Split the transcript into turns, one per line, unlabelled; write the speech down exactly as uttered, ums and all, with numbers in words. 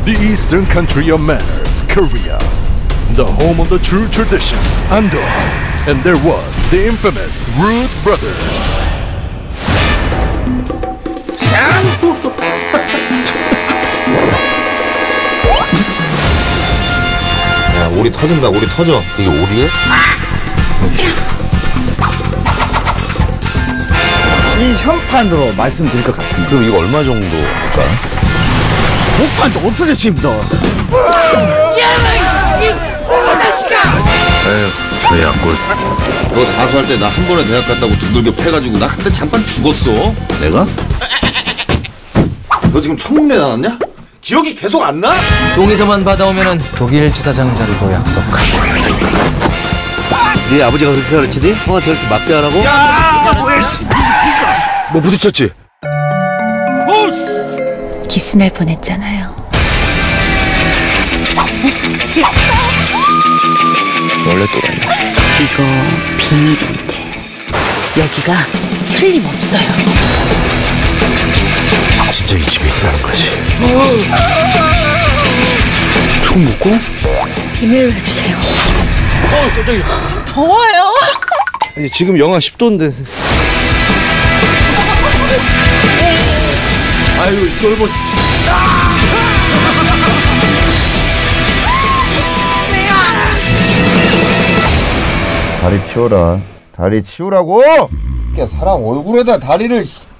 the eastern country of manners, Korea, the home of the true tradition, Andong, and there was the infamous Rude Brothers.
야, 오리 터진다, 오리 터져. 이게 오리야?
이 현판으로 말씀드릴 것 같은데.
그럼 이거 얼마 정도 할까?
목판도 없어져 지금 너.
에휴, 왜 약골. 너 사수할 때 나 한 번에 대학 갔다고 두들겨 패가지고 나 그때 잠깐 죽었어. 내가? 너 지금 청문회 나왔냐? 기억이 계속 안 나?
동의서만 받아오면은 독일 지사장 자리도 약속하고.
네 아버지가 그렇게 가르치니? 형한테 저렇게 맞게 하라고? 야! 뭐 부딪혔지?
키스날 뻔했잖아요.
원래 또라이야.
이거 비밀인데 여기가 틀림없어요.
진짜 이 집에 있다는 거지.
총 먹고?
비밀로 해주세요.
어, 깜짝이야.
좀 더워요.
아니, 지금 영하 십 도인데. 아유, 쫄보. 다리 치워라. 다리 치우라고! 야, 사람 얼굴에다 다리를.